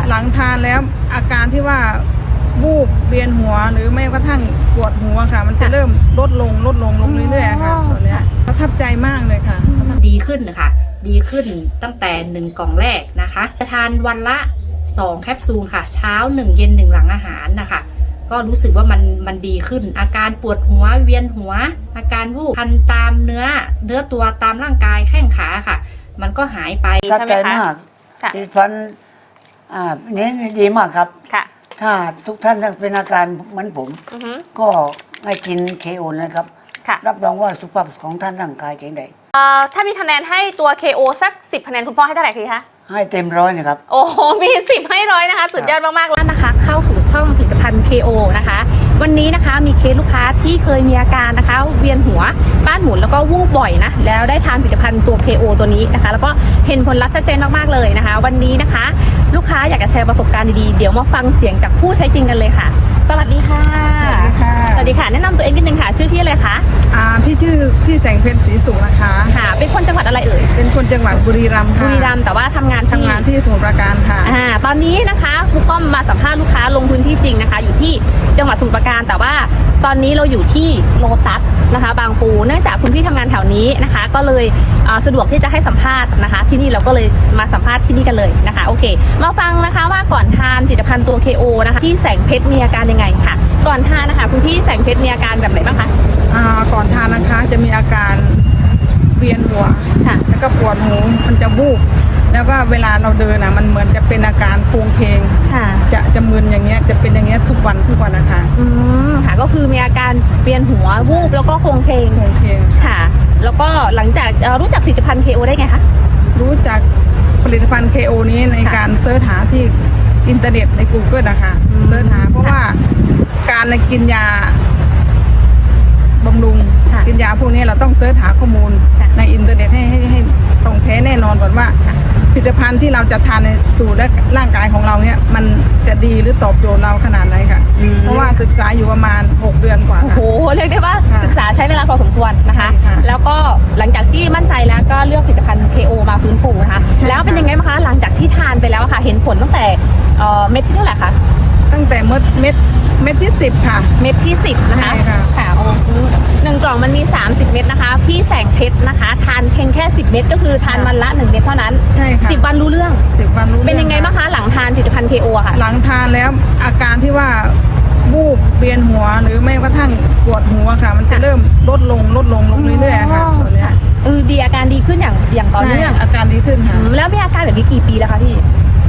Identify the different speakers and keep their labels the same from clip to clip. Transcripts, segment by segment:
Speaker 1: หลังทานแล้วอาการที่ว่าวูบเวียนหัวหรือไม่กระทั่งปวดหัวค่ะมันจะเริ่มลดลงเรื่อยๆค่ะตอนนี้ประทับใจมากเลยค่ะ
Speaker 2: ดีขึ้นนะคะดีขึ้นตั้งแต่1 กล่องแรกนะคะจะทานวันละ2 แคปซูลค่ะเช้า1 เย็น1หลังอาหารนะคะก็รู้สึกว่ามันดีขึ้นอาการปวดหัวเวียนหัวอาการวูบคันตามเนื้อตัวตามร่างกายแข้งขาค่ะมันก็หายไป
Speaker 3: ประทับใจมากดิฉันนี้ดีมากครับถ้าทุกท่านเป็นอาการเหมือนผมก็ให้กินKOนะครับรับรองว่าสุขภาพของท่านร่างกายแข็งแรง
Speaker 4: ถ้ามีคะแนนให้ตัว KO สัก10 คะแนนคุณพ่อให้เท่าไหร่คะ
Speaker 3: ให้เต็ม100นะครับ
Speaker 4: โอ้โหมี10ให้100นะคะสุดยอดมากๆแล้วนะคะเข้าสู่ช่องผลิตภัณฑ์ KO นะคะวันนี้นะคะมีเคสลูกค้าที่เคยมีอาการนะคะเวียนหัวบ้านหมุนแล้วก็วูบบ่อยนะแล้วได้ทานผลิตภัณฑ์ตัว KO ตัวนี้นะคะแล้วก็เห็นผลลัพธ์ชัดเจนมากๆเลยนะคะวันนี้นะคะลูกค้าอยากจะแชร์ประสบการณ์ดีๆเดี๋ยวมาฟังเสียงจากผู้ใช้จริงกันเลยค่ะสวัสดีค่ะสวัสดีค่ะแนะนำตัวเองนิดนึงค่ะชื่อพี่อะไรคะ
Speaker 1: พี่ชื่อพี่แสงเพชรศรีสุขนะคะ
Speaker 4: ค่ะเป็นคนจังหวัดอะไรเอ่ย
Speaker 1: เป็นคนจังหวัดบุรีรัมย์ค่ะ
Speaker 4: บุรีรัมย์แต่ว่าทำงาน
Speaker 1: ที่สมุทรปราการค่ะ
Speaker 4: ตอนนี้นะคะครูก้อมมาสัมภาษณ์ลูกค้าลงพื้นที่จริงนะคะอยู่ที่จังหวัดสมุทรปราการแต่ว่าตอนนี้เราอยู่ที่โลตัสนะคะบางปูเนื่องจากคุณพี่ทำงานแถวนี้นะคะก็เลยสะดวกที่จะให้สัมภาษณ์นะคะที่นี่เราก็เลยมาสัมภาษณ์ที่นี่กันเลยนะคะโอเคมาฟังนะคะว่าก่อนทานผลิตภัณฑ์ตัว KO นะคะที่แสงเพชรมีอาการยังไงค่ะก่อนทานนะคะคุณพี่แสงเพชรมีอาการแบบไหนบ้างคะ
Speaker 1: ก่อนทานนะคะจะมีอาการเวียนหัวแล้วก็ปวดหูมันจะวูบแล้วก็เวลาเราเดินมันเหมือนจะเป็นอาการโครงเพลงจะมึนอย่างเงี้ยจะเป็นอย่างเงี้ยทุกวันนะคะ
Speaker 4: ค่ะก็คือมีอาการเวียนหัววูบแล้วก็โครงเพลงค่ะแล้วก็หลังจากรู้จักผลิตภัณฑ์ KO ได้ไงคะ
Speaker 1: รู้จักผลิตภัณฑ์ KO นี้ในการเสิร์ชหาที่อินเทอร์เน็ตใน Google นะคะเสิร์ชหาเพราะว่าการกินยาบำรุงกินยาพวกนี้เราต้องเสิร์ชหาข้อมูลในอินเทอร์เน็ตให้ตรงแท้แน่นอนก่อนว่าผลิตภัณฑ์ที่เราจะทานในสู่และร่างกายของเราเนี่ยมันจะดีหรือตอบโจทย์เราขนาดไหนค่ะเพราะว่าศึกษาอยู่ประมาณ6 เดือนกว่า
Speaker 4: โอ้โหเรียกได้ว่าศึกษาใช้เวลาพอสมควรนะคะแล้วก็หลังจากที่มั่นใจแล้วก็เลือกผลิตภัณฑ์ KO มาฟื้นฟูนะคะแล้วเป็นยังไงบ้างคะหลังจากที่ทานไปแล้วค่ะเห็นผลตั้งแต่เม็ดที่เท่าไหร่คะ
Speaker 1: ตั้งแต่เม็ดที่10ค่ะ
Speaker 4: เม็ดที่10นะคะค่ะโอ้1 กล่องมันมี30 เม็ดนะคะพี่แสงเพชรนะคะทานเพียงแค่10 เม็ดก็คือทานวันละ1 เม็ดเท่านั้น
Speaker 1: ใช่ค่ะ
Speaker 4: 10 วันรู้เรื่อง
Speaker 1: 10 วันรู้
Speaker 4: เป็นยังไงบ้างคะหลังทานผลิตภัณฑ์ KO ค่ะ
Speaker 1: หลังทานแล้วอาการที่ว่าวูบเวียนหัวหรือไม่กระทั่งปวดหัวค่ะมันจะเริ่มลดลงเรื่อยๆค่ะตอนนี้
Speaker 4: ดีอาการดีขึ้นอย่างต่อเนื่อง
Speaker 1: อาการดีขึ้นค่ะ
Speaker 4: แล้วมีอาการแบบนี้กี่ปีแล้วคะพี่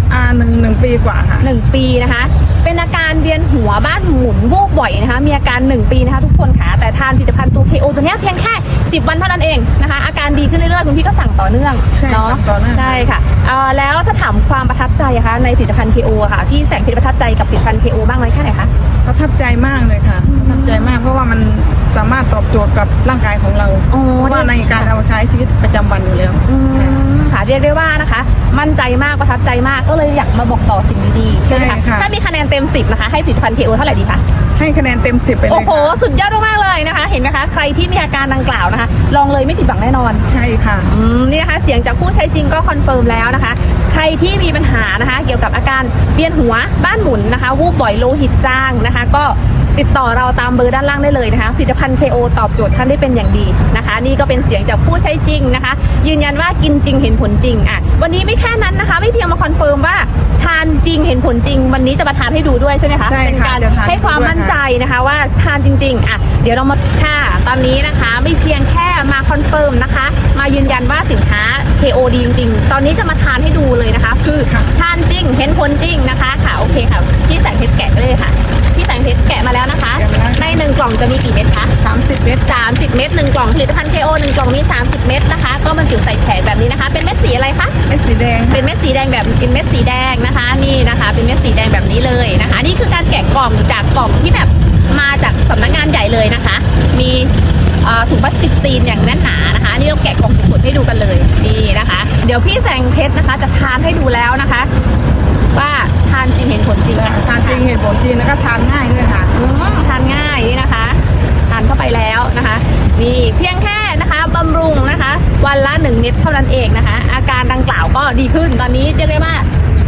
Speaker 1: 1 ปีกว่าค่ะ
Speaker 4: 1 ปีนะคะเป็นอาการเวียนหัวบ้านหมุนวูบบ่อยนะคะมีอาการ1 ปีนะคะทุกคนค่ะแต่ทานผลิตภัณฑ์ตัว KO ตัวนี้เพียงแค่10 วันเท่านั้นเองนะคะอาการดีขึ้นเรื่อยๆคุณพี่ก็สั่งต่อเนื่อง
Speaker 1: เนาะ
Speaker 4: ใช่ค่ะแล้วถ้าถามความประทับใจคะในผลิตภัณฑ์ KO ค่ะพี่แสงเพชรประทับใจกับผลิตภัณฑ์ KO บ้างไหมแค่ไหนคะ
Speaker 1: ประทับใจมากเลยค่ะประทับใจมากเพราะว่ามันสามารถตอบโจทย์กับร่างกายของเราเพราะว่าในการเอาใช้ชีวิตประจำวันอยู่แล้ว
Speaker 4: ค่ะเรียกได้ว่านะคะมั่นใจมากประทับใจมากก็เลยอยากมาบอกต่อสิ่งดีๆใช่ไหมคะถ้ามีคะแนนเต็ม10นะคะให้ผลิตภัณฑ์ KO เท่าไหร่ดีคะ
Speaker 1: ให้คะแนนเต็ม10ไปเลย
Speaker 4: โอ้โหสุดยอดมากเลยนะคะเห็นไหมคะใครที่มีอาการดังกล่าวนะคะลองเลยไม่ผิดหวังแน่นอน
Speaker 1: ใช่ค่ะ
Speaker 4: นี่นะคะเสียงจากผู้ใช้จริงก็คอนเฟิร์มแล้วนะคะใครที่มีปัญหานะคะเกี่ยวกับอาการเวียนหัวบ้านหมุนนะคะวูบบ่อยโลหิตจางนะคะก็ติดต่อเราตามเบอร์ด้านล่างได้เลยนะคะผลิตภัณฑ์ KO ตอบโจทย์ท่านได้เป็นอย่างดีนะคะนี่ก็เป็นเสียงจากผู้ใช้จริงนะคะยืนยันว่ากินจริงเห็นผลจริงวันนี้ไม่แค่นั้นนะคะไม่เพียงมาคอนเฟิร์มว่าทานจริงเห็นผลจริงวันนี้จะมาทานให้ดูด้วยใช่ไหมคะเป็นการให้ความมั่นใจนะคะว่าทานจริงๆเดี๋ยวเรามาค่ะตอนนี้นะคะไม่เพียงแค่มาคอนเฟิร์มนะคะมายืนยันว่าสินค้า KO ดีจริงๆตอนนี้จะมาทานให้ดูเลยนะคะคือทานจริงเห็นผลจริงนะคะค่ะโอเคค่ะพี่แสงเพชรแกะเลยค่ะพี่แสงเพชรแกะมาแล้วนะคะใน1 กล่องจะมีกี่เม็ดคะ
Speaker 1: 30 เม็ด
Speaker 4: 30 เม็ด1 กล่องผลิตภัณฑ์ KO 1 กล่องมี30 เม็ดนะคะก็บรรจุใส่แผงแบบนี้นะคะเป็นเม็ดสีอะไรคะ
Speaker 1: เม็ดสีแดง
Speaker 4: เป็นเม็ดสีแดงแบบเป็นเม็ดสีแดงนะคะนี่นะคะเป็นเม็ดสีแดงแบบนี้เลยนะคะนี่คือการแกะกล่องจากกล่องที่แบบมาจากสำนักงานใหญ่เลยนะคะมีถุงพลาสติกซีนอย่างแน่นหนานะคะนี่เราแกะกล่องสดๆให้ดูกันเลยนี่นะคะเดี๋ยวพี่แสงเพชรนะคะจะทานให้ดูแล้วนะคะว่าทานจริงเห็นผลจริง
Speaker 1: ทานจริงเห็นผลจริงแล้วก็ทานง่ายด้วยค่ะ
Speaker 4: ทานง่ายนี่นะคะทานเข้าไปแล้วนะคะนี่เพียงแค่นะคะบำรุงนะคะวันละ1 เม็ดเท่านั้นเองนะคะอาการดังกล่าวก็ดีขึ้นตอนนี้เรียกได้ว่า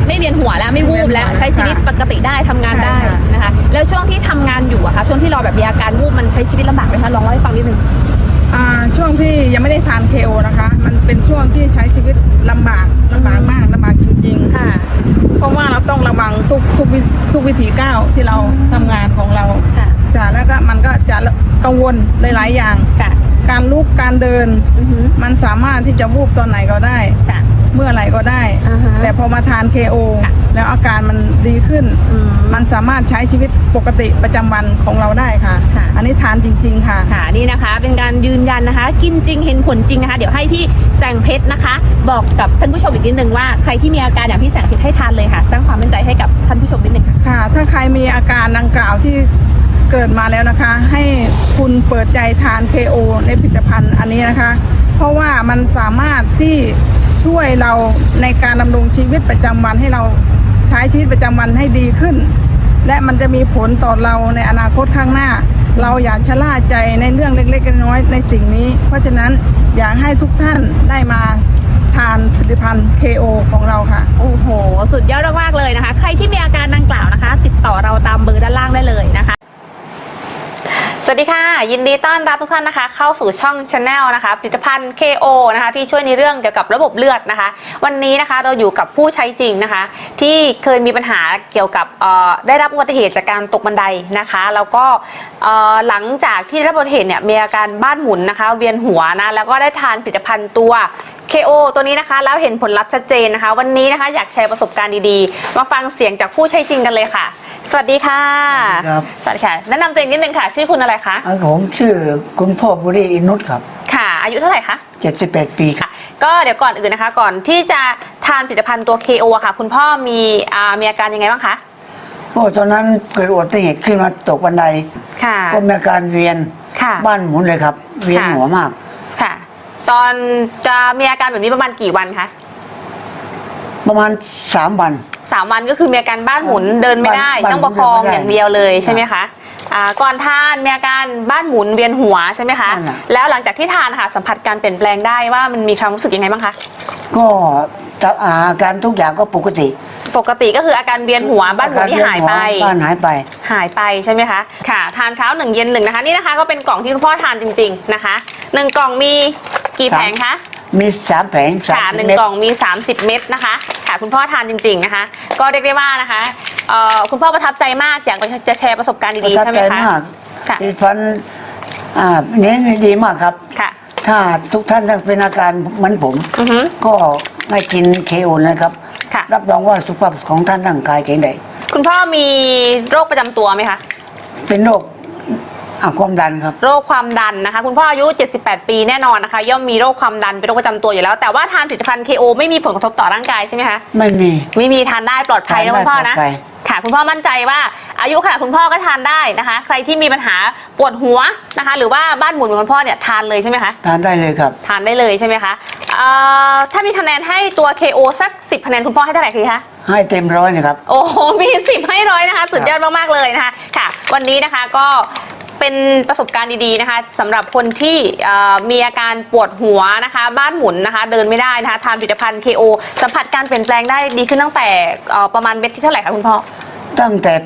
Speaker 4: ไม่เวียนหัวแล้วไม่วูบแล้วใช้ชีวิตปกติได้ทำงานได้นะคะแล้วช่วงที่ทำงานอยู่อะคะช่วงที่เราแบบมีอาการวูบมันใช้ชีวิตลำบากไหมคะลองเล่าให้ฟังนิดนึง
Speaker 1: ช่วงที่ยังไม่ได้ทาน KO นะคะมันเป็นช่วงที่ใช้ชีวิตลำบากมากลำบากจริงๆ
Speaker 4: ค่ะ
Speaker 1: เพราะว่าเราต้องระวังทุกวิถีก้าวที่เราทำงานของเราจ้ะแล้วก็มันก็จะกังวลหลายๆอย่างการลุกการเดินมันสามารถที่จะวูบตอนไหนก็ได้เมื่อไหร่ก็ได้แต่พอมาทาน KO แล้วอาการมันดีขึ้นมันสามารถใช้ชีวิตปกติประจำวันของเราได้ค่ะอันนี้ทานจริงๆค่ะ
Speaker 4: นี่นะคะเป็นการยืนยันนะคะกินจริงเห็นผลจริงนะคะเดี๋ยวให้พี่แสงเพชรนะคะบอกกับท่านผู้ชมอีกนิดนึงว่าใครที่มีอาการอย่างพี่แสงเพชรให้ทานเลยค่ะสร้างความมั่นใจให้กับท่านผู้ชมนิดนึง
Speaker 1: ค่ะถ้าใครมีอาการดังกล่าวที่เกิดมาแล้วนะคะให้คุณเปิดใจทาน KO ในผลิตภัณฑ์อันนี้นะคะเพราะว่ามันสามารถที่ช่วยเราในการดำรงชีวิตประจำวันให้เราใช้ชีวิตประจำวันให้ดีขึ้นและมันจะมีผลต่อเราในอนาคตข้างหน้าเราอย่าชะล่าใจในเรื่องเล็กๆน้อยๆในสิ่งนี้เพราะฉะนั้นอยากให้ทุกท่านได้มาทานผลิตภัณฑ์ KO ของเราค่ะ
Speaker 4: โอ้โหสุดยอดมากๆเลยนะคะใครที่มีอาการดังกล่าวนะคะติดต่อเราตามเบอร์ด้านล่างได้เลยนะคะสวัสดีค่ะยินดีต้อนรับทุกท่านนะคะเข้าสู่ช่อง Channel นะคะผลิตภัณฑ์ KO นะคะที่ช่วยในเรื่องเกี่ยวกับระบบเลือดนะคะวันนี้นะคะเราอยู่กับผู้ใช้จริงนะคะที่เคยมีปัญหาเกี่ยวกับได้รับอุบัติเหตุจากการตกบันไดนะคะแล้วก็หลังจากที่ได้รับอุบัติเหตุเนี่ยมีอาการบ้านหมุนนะคะเวียนหัวนะแล้วก็ได้ทานผลิตภัณฑ์ตัว KO ตัวนี้นะคะแล้วเห็นผลลัพธ์ชัดเจนนะคะวันนี้นะคะอยากแชร์ประสบการณ์ดีๆมาฟังเสียงจากผู้ใช้จริงกันเลยค่ะสวัสดีค่ะ
Speaker 3: ครับ
Speaker 4: สวัสดีค่ะแนะนำตัวเองนิดนึงค่ะชื่อคุณอะไรคะ
Speaker 3: ผมชื่อคุณพ่อบุรีอินุชครับ
Speaker 4: ค่ะอายุเท่าไหร่คะ
Speaker 3: 78 ปี
Speaker 4: ค่ะก็เดี๋ยวก่อนอื่นนะคะก่อนที่จะทานผลิตภัณฑ์ตัว KO อะค่ะคุณพ่อมีอาการยังไงบ้างคะ
Speaker 3: ตอนนั้นเกิดอุบัติเหตุขึ้นมาตกบันได
Speaker 4: ค่ะ
Speaker 3: ก็มีอาการเวียนบ้านหมุนเลยครับเวียนหัวมาก
Speaker 4: ค่ะตอนจะมีอาการแบบนี้ประมาณกี่วันคะ
Speaker 3: ประมาณ3 วัน
Speaker 4: 3 วันก็คือมีอาการบ้านหมุนเดินไม่ได้ต้องประคองอย่างเดียวเลยใช่ไหมคะก่อนทานมีอาการบ้านหมุนเวียนหัวใช่ไหมคะแล้วหลังจากที่ทานค่ะสัมผัสการเปลี่ยนแปลงได้ว่ามันมีความรู้สึกยังไงบ้างคะ
Speaker 3: ก็อาการทุกอย่างก็ปกติ
Speaker 4: ก็คืออาการเวียนหัวบ้านหมุนที่หายไป
Speaker 3: หายไป
Speaker 4: ใช่ไหมคะค่ะทานเช้า1 เย็น 1นะคะนี่นะคะก็เป็นกล่องที่คุณพ่อทานจริงๆนะคะ1 กล่องมีกี่แผงคะ
Speaker 3: มี3 แผง
Speaker 4: ค่ะ1 กล่องมี30 เม็ดนะคะค่ะคุณพ่อทานจริงๆนะคะก็เรียกได้ว่านะคะคุณพ่อประทับใจมากอยากจะแชร์ประสบการณ์ดีๆใช่ไหมคะ
Speaker 3: ค่ะผลิตภัณฑ์นี้ดีมากครับ
Speaker 4: ค่ะ
Speaker 3: ถ้าทุกท่านเป็นอาการเหมือนผมก็ให้กิน KO นะครับรับรองว่าสุขภาพของท่านร่างกายแข็งแรง
Speaker 4: คุณพ่อมีโรคประจำตัวไหมคะ
Speaker 3: เป็นโรคความดันครับ
Speaker 4: โรคความดันนะคะคุณพ่ออายุ78 ปีแน่นอนนะคะย่อมมีโรคความดันเป็นโรคประจำตัวอยู่แล้วแต่ว่าทานผลิตภัณฑ์ KO ไม่มีผลกระทบต่อร่างกายใช่ไหมคะ
Speaker 3: ไม่
Speaker 4: มีทานได้ปลอดภัยนะคุณพ่อนะค่ะคุณพ่อมั่นใจว่าอายุค่ะคุณพ่อก็ทานได้นะคะใครที่มีปัญหาปวดหัวนะคะหรือว่าบ้านหมุนเหมือนคุณพ่อเนี่ยทานเลยใช่ไหมคะ
Speaker 3: ทานได้เลยครับ
Speaker 4: ทานได้เลยใช่ไหมคะถ้ามีคะแนนให้ตัว KO สัก10 คะแนนคุณพ่อให้เท่าไหร่คะ
Speaker 3: ให้เต็ม100นะครับ
Speaker 4: โอ้โหมี10ให้100นะคะสุดยอดมากๆเลยนะคะค่ะวันนี้นะคะก็เป็นประสบการณ์ดีๆนะคะสำหรับคนที่มีอาการปวดหัวนะคะบ้านหมุนนะคะเดินไม่ได้นะคะทานผลิตภัณฑ์ KO สัมผัสการเปลี่ยนแปลงได้ดีขึ้นตั้งแต่ประมาณเม็ดที่เท่าไหร่คะคุณพ่อ
Speaker 3: ตั้งแต่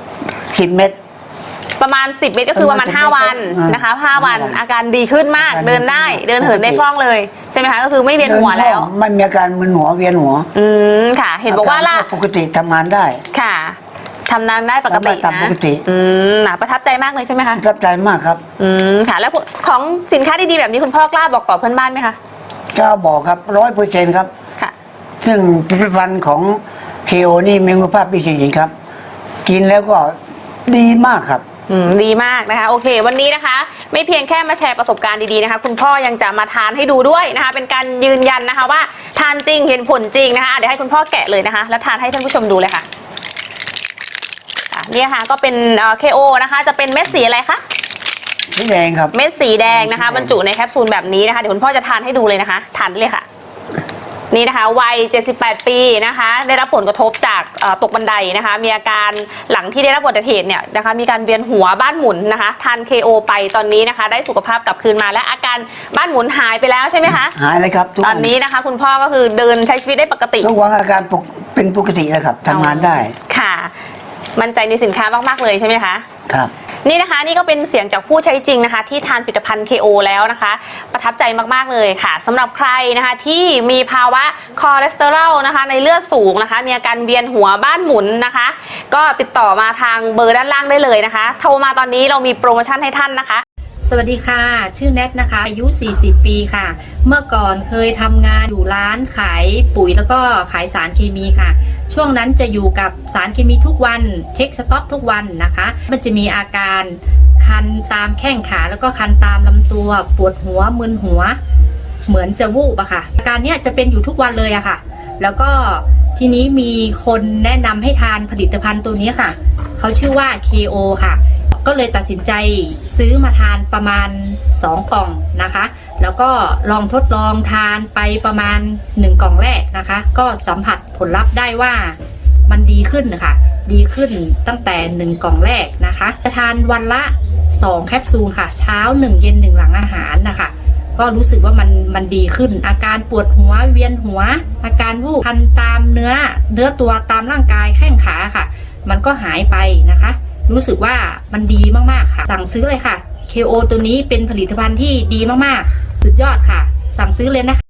Speaker 3: 10 เม็ด
Speaker 4: ประมาณ10 เม็ดก็คือประมาณ5 วันนะคะ5 วันอาการดีขึ้นมากเดินได้เดินเหินได้คล่องเลยใช่ไหมคะก็คือไม่เวียนหัวแล้ว
Speaker 3: มันมีอาการมึนหัวเวียนหัว
Speaker 4: ค่ะเห็นบอกว่าล่ะ
Speaker 3: ปกติทำงานได้
Speaker 4: ค่ะทำงานได้ปกตินะประทับใจมากเลยใช่ไหมคะ
Speaker 3: ประทับใจมากครับ
Speaker 4: ค่ะแล้วของสินค้าดีๆแบบนี้คุณพ่อกล้าบอกต่อเพื่อนบ้านไหมคะ
Speaker 3: กล้าบอกครับ100%ครับ
Speaker 4: ค่ะ
Speaker 3: ซึ่งผลิตภัณฑ์ของ KO นี่มีคุณภาพดีจริงๆครับกินแล้วก็ดีมากครับ
Speaker 4: ดีมากนะคะโอเควันนี้นะคะไม่เพียงแค่มาแชร์ประสบการณ์ดีๆนะคะคุณพ่อยังจะมาทานให้ดูด้วยนะคะเป็นการยืนยันนะคะว่าทานจริงเห็นผลจริงนะคะเดี๋ยวให้คุณพ่อแกะเลยนะคะแล้วทานให้ท่านผู้ชมดูเลยค่ะนี่ค่ะก็เป็น KO นะคะจะเป็นเม็ดสีอะไรคะ
Speaker 3: สีแดงครับ
Speaker 4: เม็ดสีแดงนะคะบรรจุในแคปซูลแบบนี้นะคะเดี๋ยวคุณพ่อจะทานให้ดูเลยนะคะทานได้เลยค่ะนี่นะคะวัย78 ปีนะคะได้รับผลกระทบจากตกบันไดนะคะมีอาการหลังที่ได้รับอุบัติเหตุเนี่ยนะคะมีการเวียนหัวบ้านหมุนนะคะทาน KO ไปตอนนี้นะคะได้สุขภาพกลับคืนมาและอาการบ้านหมุนหายไปแล้วใช่ไหมคะ
Speaker 3: หายเลยครับ
Speaker 4: ตอนนี้นะคะคุณพ่อก็คือเดินใช้ชีวิตได้ปกติ
Speaker 3: ทุกวันอาการเป็นปกติแล้วครับทำงานได้
Speaker 4: ค่ะมั่นใจในสินค้ามากๆเลยใช่ไหมคะ
Speaker 3: ครับ
Speaker 4: นี่นะคะนี่ก็เป็นเสียงจากผู้ใช้จริงนะคะที่ทานผลิตภัณฑ์ KO แล้วนะคะประทับใจมากๆเลยค่ะสำหรับใครนะคะที่มีภาวะคอเลสเตอรอลนะคะในเลือดสูงนะคะมีอาการเวียนหัวบ้านหมุนนะคะก็ติดต่อมาทางเบอร์ด้านล่างได้เลยนะคะโทรมาตอนนี้เรามีโปรโมชั่นให้ท่านนะคะ
Speaker 2: สวัสดีค่ะชื่อแนทนะคะอายุ40 ปีค่ะเมื่อก่อนเคยทำงานอยู่ร้านขายปุ๋ยแล้วก็ขายสารเคมีค่ะช่วงนั้นจะอยู่กับสารเคมีทุกวันเช็คสต็อกทุกวันนะคะมันจะมีอาการคันตามแข้งขาแล้วก็คันตามลำตัวปวดหัวมึนหัวเหมือนจะวูบอะค่ะอาการเนี้ยจะเป็นอยู่ทุกวันเลยอะค่ะแล้วก็ทีนี้มีคนแนะนำให้ทานผลิตภัณฑ์ตัวนี้ค่ะเขาชื่อว่า KO ค่ะก็เลยตัดสินใจซื้อมาทานประมาณ2 กล่องนะคะแล้วก็ลองทดลองทานไปประมาณ1 กล่องแรกนะคะก็สัมผัสผลลัพธ์ได้ว่ามันดีขึ้นค่ะดีขึ้นตั้งแต่1 กล่องแรกนะคะจะทานวันละ2 แคปซูลค่ะเช้า1 เย็น1หลังอาหารนะคะก็รู้สึกว่ามันดีขึ้นอาการปวดหัวเวียนหัวอาการวูบคันตามเนื้อตัวตามร่างกายแข้งขาค่ะมันก็หายไปนะคะรู้สึกว่ามันดีมากๆค่ะสั่งซื้อเลยค่ะ KO ตัวนี้เป็นผลิตภัณฑ์ที่ดีมากๆสุดยอดค่ะสั่งซื้อเลยนะคะ